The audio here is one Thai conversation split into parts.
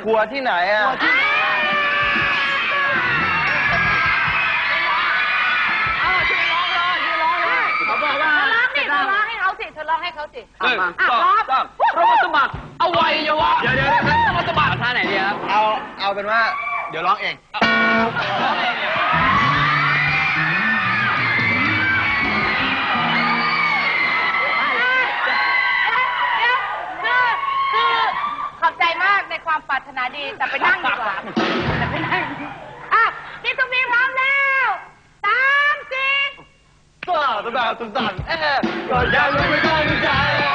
ครัวที่ไหนอ่ะเขาบอกว่าเธอร้องให้เขาสิเธอร้องให้เขาสิร้องเรามาสมัครเอาไว้เยาวะเดี๋ยวเรามาสมัครท่าไหนดีครับเอาเป็นว่าเดี๋ยวร้องเองขอบใจมากในความปรารถนาดีแต่ไปนั่งดีกว่าพี่ตุ้มมีพร้อมแล้ว3 4 ตัวแบบสุดสั่นก็ยังไม่ตั้งใจ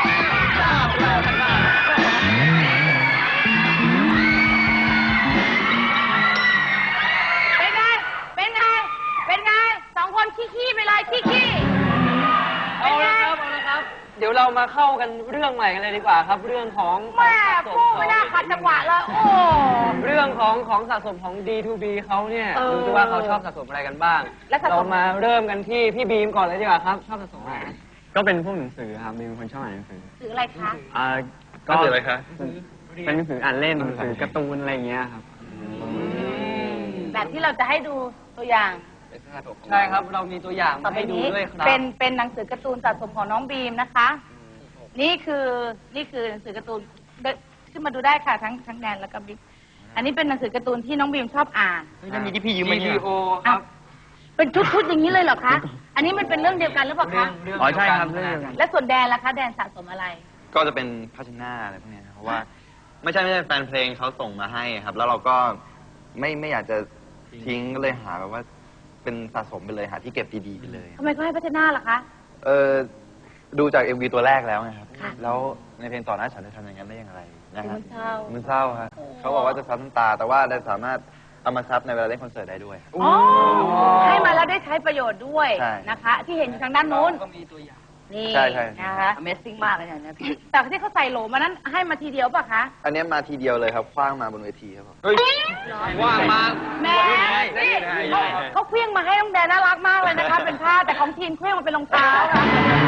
เป็นไง2 คนขี้ไปเลยขี้เอาละครับเดี๋ยวเรามาเข้ากันเรื่องใหม่กันเลยดีกว่าครับเรื่องของแม่พูดไม่น่าขัดจังหวะเลยโอ้เรื่องของสะสมของ D2B เขาเนี่ยดูสิว่าเขาชอบสะสมอะไรกันบ้างเรามาเริ่มกันที่พี่บีมก่อนเลยดีกว่าครับชอบสะสมอะไรก็เป็นพวกหนังสือครับบีมเป็นคนชอบอ่านหนังสือสื่ออะไรคะก็สื่ออะไรคะเป็นหนังสืออ่านเล่นหนังสือการ์ตูนอะไรอย่างเงี้ยครับแบบที่เราจะให้ดูตัวอย่างใช่ครับเรามีตัวอย่างมาให้ดูด้วยครับเป็นหนังสือการ์ตูนสะสมของน้องบีมนะคะนี่คือหนังสือการ์ตูนขึ้นมาดูได้ค่ะทั้งแนนแล้วก็บิ๊กอันนี้เป็นหนังสือการ์ตูนที่น้องบีมชอบอ่านจะมีที่พี่ยืมมาเนี่ยครับเป็นชุดอย่างนี้เลยเหรอคะอันนี้มันเป็นเรื่องเดียวกันหรือเปล่าคะอ๋อใช่ครับเรื่องเดียวกันและส่วนแดนล่ะคะแดนสะสมอะไรก็จะเป็นภาชนะอะไรพวกนี้เพราะว่าไม่ใช่แฟนเพลงเขาส่งมาให้ครับแล้วเราก็ไม่อยากจะทิ้งก็เลยหาแบบว่าเป็นสะสมไปเลยหาที่เก็บดีๆไปเลยทำไมเขาให้พัฒนาล่ะคะดูจาก MV ตัวแรกแล้วไงครับแล้วในเพลงต่อหน้าฉันจะทำอย่างนั้นได้อย่างไรนะครับมันเศร้าครับเขาบอกว่าจะซับน้ำตาแต่ว่าได้สามารถเอามาซับในเวลาเล่นคอนเสิร์ตได้ด้วยให้มาแล้วได้ใช้ประโยชน์ด้วยนะคะที่เห็นอยู่ทางด้านนู้นก็มีตัวอย่างนี่ใช่นะคะ Amazing มากเลยเนี่ยแต่ที่เขาใส่โหลมานั้นให้มาทีเดียวป่ะคะอันนี้มาทีเดียวเลยครับคว้างมาบนเวทีครับผมว่างมาแม่เขาเคลื่องมาให้น้องแดนน่ารักมากเลยนะคะเป็นผ้าแต่ของทีนเคลื่องมาเป็นรองเท้าค่ะ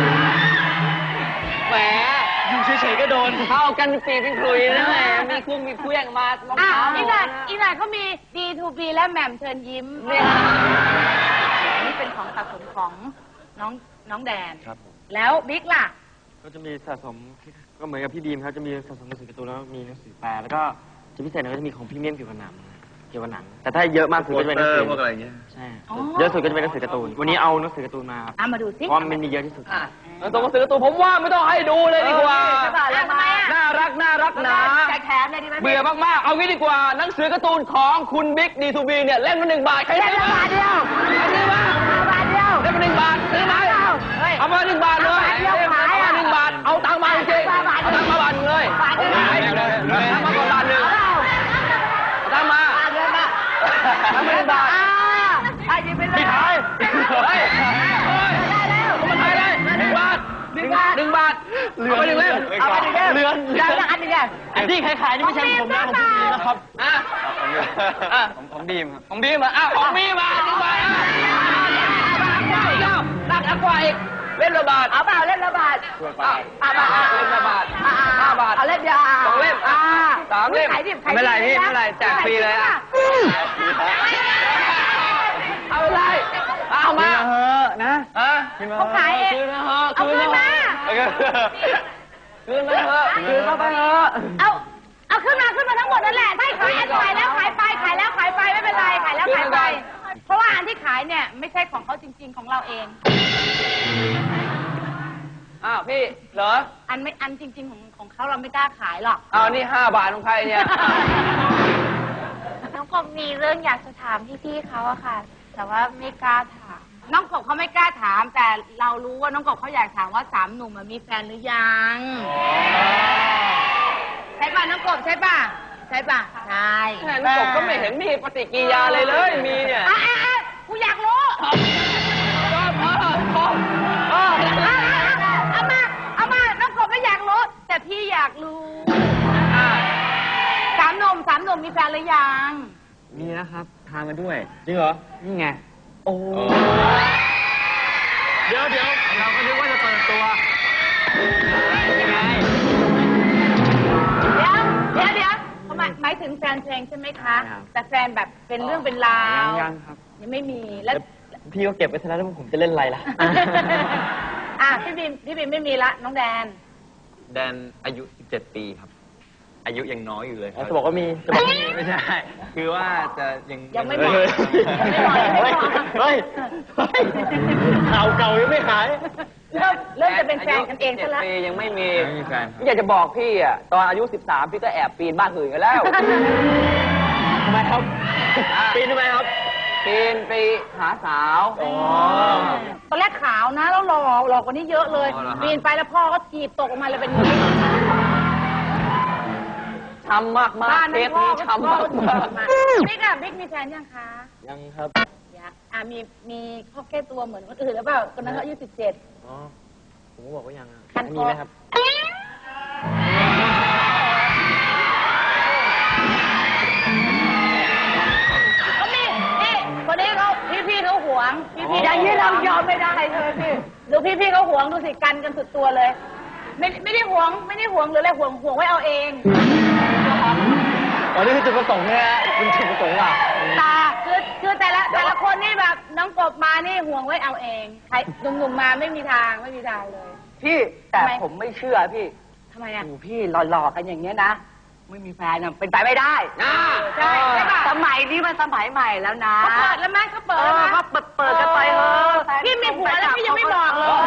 แหมอยู่เฉยๆก็โดนเข้ากันปีเป็นคลุยนะแหมมีเคลื่องมารองเท้าอีกหน่อยเขามี D2B และแหม่มเชิญยิ้มนี่เป็นของสะสมของน้องแดนแล้วบิ๊กล่ะก็จะมีสะสมก็เหมือนกับพี่บีมครับจะมีสะสมหนังสือการ์ตูนแล้วมีหนังสือแปลแล้วก็จะพิเศษก็จะมีของพรีเมียมเกี่ยวกับหนังแต่ถ้าเยอะมากสุดก็จะเป็นหนังสือพวกอะไรเงี้ยใช่เยอะสุดก็จะเป็นหนังสือการ์ตูนวันนี้เอาหนังสือการ์ตูนมาครับมาดูสิเพราะมันมีเยอะที่สุดหนังสือการ์ตูนผมว่าไม่ต้องให้ดูเลยดีกว่าน่ารักนะเบื่อมากๆเอางี้ดีกว่าหนังสือการ์ตูนของคุณบิ๊ก D2B เนี่ยเล่มละ1 บาทใครซื้อมาเดียวซื้อมาเล่มละ1 บาทซื้อไหมเอามา1 บาทเลยเอามา1 บาทเอาตังค์มาจริงเอาตังค์มาบาทเลยเอามาก่อนบาท1ตังค์มาทำไมบาทไม่ขายเฮ้ยได้แล้วมันขายเลย1 บาท1 บาทเอาไป1 เล่มเอาไป1 เล่มเรือนได้อันนี้ไงอันที่ขายนี่ไม่ใช่ผมนะผมบีมนะครับของบีมครับของบีมอ่ะของบีมมา1 บาทรักกว่าอีกเล่มละบาทเอาเปล่าเล่มละบาทเล่มละบาท5 บาทเอาเล่มเดียว 2 เล่ม3 เล่มไม่ไรพี่ไม่ไรแจกฟรีเลยอ่ะเอาอะไรเอามาเฮ้อนะเขาขายเองเอาคืนมาคืนมาเถอะคืนมาไปเถอะเอาขึ้นมาทั้งหมดนั่นแหละถ้าขายแล้วขายไปไม่เป็นไรขายแล้วขายไปเพราะว่าอันที่ขายเนี่ยไม่ใช่ของเขาจริงๆของเราเองพี่เหรออันจริงๆของเขาเราไม่กล้าขายหรอกนี่5 บาทของใครเนี่ยน้องกบมีเรื่องอยากจะถามพี่เขาอะค่ะแต่ว่าไม่กล้าถามน้องกบเขาไม่กล้าถามแต่เรารู้ว่าน้องกบเขาอยากถามว่า3 หนุ่มมีแฟนหรือยังใช่ป่ะน้องกบใช่ป่ะใช่น้องกบก็ไม่เห็นมีปฏิกิริยาเลยมีเนี่ยกูอยากรู้เอามาน้องกบไม่อยากรู้แต่พี่อยากรู้3 หนุ่มมีแฟนหรือยังมีนะครับพามาด้วยจริงเหรอนี่ไงโอ้เดี๋ยวเราก็นึกว่าจะเปิดตัวยังไงเดี๋ยวหมายถึงแฟนงใช่ไหมคะใช่ครับแต่แฟนแบบเป็นเรื่องเป็นราวยังครับยังไม่มีแล้วพี่ก็เก็บไว้ซะแล้วผมจะเล่นอะไรล่ะพี่บีมไม่มีละน้องแดนแดนอายุ 17 ปีครับ อายุยังน้อยอยู่เลยครับจะบอกว่ามีจะบอกว่ามีไม่ใช่ คือว่าจะยังไม่บอกเฮ้ยข่าวเก่ายังไม่หายเริ่มจะเป็นแฟนกันเองซะละปียังไม่มีไม่มีแฟนครับอยากจะบอกพี่อ่ะตอนอายุ 13 พี่ก็แอบปีนบ้านอื่นกันแล้วทำไมครับ ปีนทำไมครับปีนไปหาสาวตอนแรกขาวนะแล้วหล่อกว่านี้เยอะเลยอ๋อเหรอฮะปีนไปแล้วพ่อก็ถีบตกออกมาเลยเป็นอย่างนี้ช้ำมากบ้านๆเทนั้นปพ่อนี้ก็ช้ำมากบิ๊กอะบิ๊กมีแฟนยังคะยังครับยังมีข้อแก้ตัวเหมือนคนอื่นหรือเปล่าคนนั้นเขาอายุ17 อ๋อ ผมก็บอกว่ายังอะคันคอมีไหมครับก็มีนี่คนนี้เขาพี่เขาหวงพี่อย่างนี้เรายอมไม่ได้เลยพี่ดูพี่เขาหวงดูสิกันสุดตัวเลย ไม่ได้หวงหรืออะไรหวงไว้เอาเองอ๋อ นี่คือจุดประสงค์เนี่ยเป็นจุดประสงค์อ่ะตาคือแต่ละคนนี่แบบน้องกบมานี่ห่วงไว้เอาเองใครหนุ่มๆมาไม่มีทางเลยพี่แต่ทำไมผมไม่เชื่อพี่ทำไมอ่ะโอ้พี่หล่อๆกันอย่างเงี้ยนะ ไม่มีแฟนน่ะเป็นไปไม่ได้นะใช่ป่ะสมัยนี้มันสมัยใหม่แล้วนะเขาเปิดแล้วไหมเขาเปิดแล้วไหมก็เปิดกันไปเถอะพี่มีผัวแล้วพี่ยังไม่บอกเลย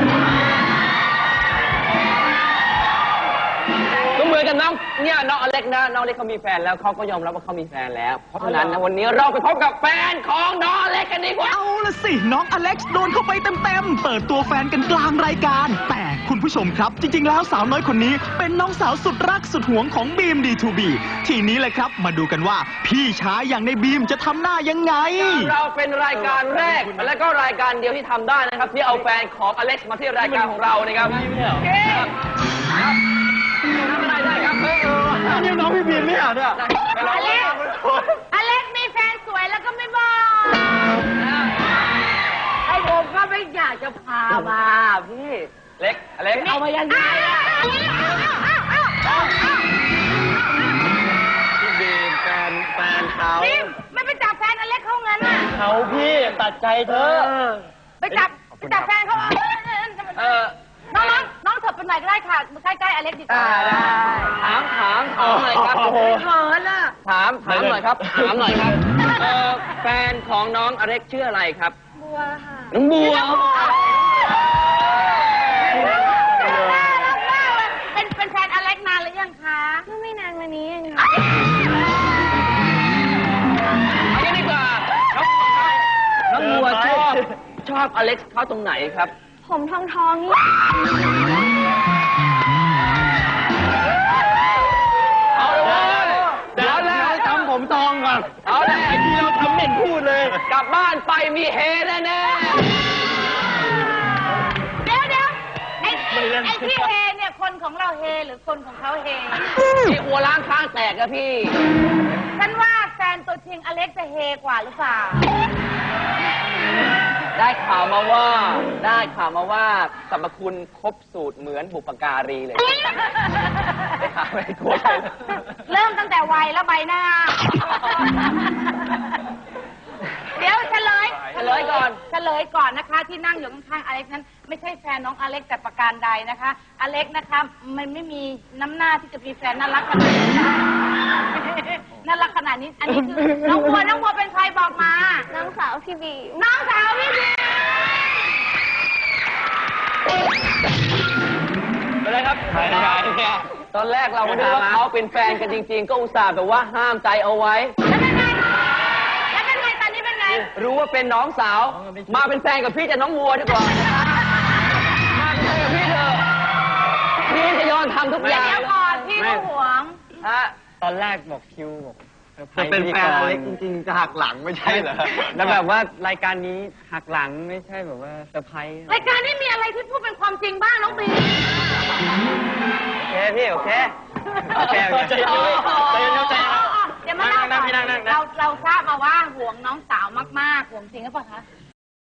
ก็เหมือนกับน้องเนี่ยน้องอเล็กนะน้องอเล็กเขามีแฟนแล้วเขาก็ยอมรับว่าเขามีแฟนแล้ว เพราะฉะนั้นนะวันนี้เราไปพบกับแฟนของน้องอเล็กกันดีกว่าเอาละสิ น้องอเล็กซ์โดนเข้าไปเต็มๆ เปิดตัวแฟนกันกลางรายการ แต่คุณผู้ชมครับ จริงๆ แล้วสาวน้อยคนนี้เป็นน้องสาวสุดรักสุดหวงของบีม D2B ทีนี้เลยครับมาดูกันว่าพี่ชายอย่างในบีมจะทำหน้ายังไงเราเป็นรายการแรกและก็รายการเดียวที่ทำได้นะครับที่เอาแฟนของอเล็กซ์มาที่รายการของเรานะครับครับทำอะไรได้ครับนี่น้องพี่บีมเนี่ยเนี่ยอเล็กมีแฟนสวยแล้วก็ไม่บอกไอ้ผมก็ไม่อยากจะพามาพี่เล็กอเล็กเอามายังไงอะพี่บีมแฟนเขานี่ไม่ไปจับแฟนอเล็กเขางั้นอ่ะเขาพี่ตัดใจเธอไปจับแฟนเขาน้องเถิบไปไหนก็ได้ค่ะใกล้ๆอเล็กดีกว่าถามหน่อยครับเขินอ่ะถามหน่อยครับแฟนของน้องอเล็กชื่ออะไรครับบัวค่ะน้องบัวเป็นแฟนอเล็กนานหรือยังคะไม่นานมานี้เองค่ะเอางี้ดีกว่าน้องบัวชอบอเล็กซ์เขาตรงไหนครับผมทองนี่เอาเลยเดี๋ยวแรกทำผมทองก่อนเอาเลยไอ้ที่เราทำเหม็นพูดเลยกลับบ้านไปมีเฮแน่เดี๋ยวไอ้ที่เฮเนี่ยคนของเราเฮหรือคนของเขาเฮๆที่หัวล้างข้างแตกอะพี่ฉันว่าแฟนตัวจริงอเล็กจะเฮกว่าหรือเปล่าได้ข่าวมาว่าสรรพคุณครบสูตรเหมือนบุปการีเลยได้ข่าวไม่กลัวใช่ไหมเริ่มตั้งแต่วัยและใบหน้า เดี๋ยวเฉลยก่อนนะคะ ที่นั่งอยู่ข้างๆอเล็กนั้นไม่ใช่แฟนน้องอเล็กแต่ประการใดนะคะ อเล็กนะคะมันไม่มีน้ำหน้าที่จะมีแฟนน่ารักขนาดนี้น่ารักขนาดนี้ อันนี้คือน้องบัวเป็นใครบอกมา น้องสาวพี่บีอะไรครับตอนแรกเราไม่รู้ว่าเขาเป็นแฟนกันจริงๆ ก็อุตส่าห์แบบว่าห้ามใจเอาไว้แล้วเป็นไงตอนนี้เป็นไงรู้ว่าเป็นน้องสาว มาเป็นแฟนกับพี่จะน้องวัวดีกว่ามาเป็นแฟนกับพี่เถอะพี่จะยอมทำทุกอย่างเดี๋ยวก่อนพี่ก็หวงฮะตอนแรกบอกคิวบอกจะเป็นแฟนอเล็กจริงๆจะหักหลังไม่ใช่เหรอแล้วแบบว่ารายการนี้หักหลังไม่ใช่แบบว่าเซอร์ไพรส์รายการนี้มีอะไรที่พูดเป็นความจริงบ้างน้องบีโอเคพี่โอเคใจเย็นใจเย็นเดี๋ยวมาเล่าก่อนนั่งเราทราบมาว่าห่วงน้องสาวมากๆห่วงจริงหรือเปล่าคะ